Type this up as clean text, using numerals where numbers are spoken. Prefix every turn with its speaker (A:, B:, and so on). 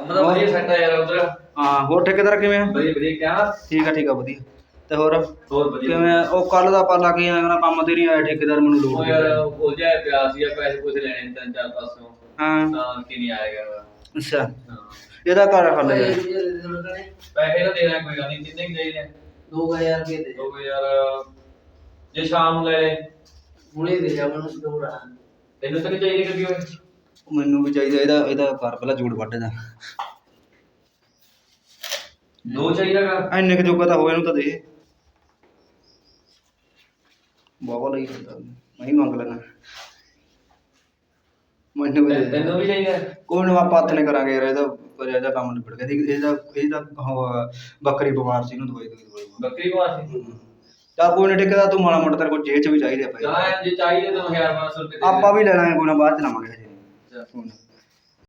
A: मतलब ਵਧੀਆ ਸੈੱਟ ਆ ਯਾਰ ਉਧਰ।
B: ਹਾਂ ਹੋਰ ਠੇਕੇਦਾਰ ਕਿਵੇਂ ਆ?
A: ਵਧੀਆ ਵਧੀਆ ਕਿਆ?
B: ਠੀਕ ਆ ਵਧੀਆ। ਤੇ ਹੋਰ
A: ਵਧੀਆ
B: ਕਿਵੇਂ ਉਹ ਕੱਲ ਦਾ ਆਪਾਂ ਲੱਗ ਗਿਆ ਕੰਮ ਤੇ ਨਹੀਂ ਆਇਆ ਠੇਕੇਦਾਰ ਮੈਨੂੰ ਲੋੜ
A: ਉਹ ਯਾਰ ਉਲਝਿਆ ਪਿਆ ਸੀ ਪੈਸੇ ਪੂਸੇ ਲੈਣੇ ਤਿੰਨ ਚਾਰ ਪਾਸੋਂ
B: ਹਾਂ
A: ਤਾਂ ਕਿ ਨਹੀਂ ਆਏਗਾ।
B: ਅੱਛਾ
A: ਹਾਂ
B: ਇਹਦਾ ਘਰ ਖਾ ਲਿਆ
A: ਪੈਸੇ ਤਾਂ ਦੇਣਾ ਕੋਈ ਗੱਲ ਨਹੀਂ ਕਿੰਨੇ ਚਾਹੀਦੇ
C: 2000 ਰੁਪਏ ਦੇ
A: 2000 ਜੇ ਸ਼ਾਮ ਨੂੰ ਲੈ ਲੈ
C: ਹੁਣੇ ਦੇ ਜਾ ਮੈਨੂੰ ਦੋੜਾ
A: ਤੈਨੂੰ ਤਾਂ ਨਹੀਂ ਚਾਹੀਦੀ ਕਦੀ ਹੋਏ
B: ਮੈਨੂੰ ਵੀ ਚਾਹੀਦਾ ਇਹਦਾ ਘਰ ਪਹਿਲਾਂ ਜੋੜ ਵੱਢਦਾ
A: ਦੋ ਚਾਹੀਦਾਗਾ
B: ਇੰਨੇ ਕੁ ਜੋਗਾ ਤਾਂ ਹੋਵੇ ਇਹਨੂੰ ਤਾਂ ਦੇ ਬਾਬਾ ਲਈ ਕਰਦਾ ਮੈਂ ਹੀ ਮੰਗ ਲੈਣਾ ਮੈਨੂੰ ਵੀ
A: ਤੈਨੂੰ ਵੀ ਚਾਹੀਦਾ
B: ਕੋਈ ਨਾ ਆਪਾਂ ਹੱਥ ਨੇ ਕਰਾਂਗੇ ਯਾਰ ਇਹਦਾ ਕੰਮ ਨਿਬੜ ਗਿਆ ਇਹਦਾ ਬੱਕਰੀ ਬਿਮਾਰ ਸੀ ਇਹਨੂੰ ਦਵਾਈ
A: ਬੱਕਰੀ ਬਿਮਾਰ ਸੀ
B: ਤਾਂ ਕੋਈ ਨਾ ਠੇਕੇਦਾਰ ਤੂੰ ਮਾੜਾ ਮੋਟਾ ਤੇਰੇ ਕੋਲ ਜੇਬ ਚ ਵੀ ਚਾਹੀਦੇ ਆ
A: ਜਾਂ ਜੇ ਚਾਹੀਦੇ ਤਾਂ 1500 ਰੁਪਏ
B: ਆਪਾਂ ਵੀ ਲੈ ਲਾਂਗੇ ਕੋਈ ਨਾ ਬਾਅਦ ਚ ਲਵਾਂਗੇ ਹਜੇ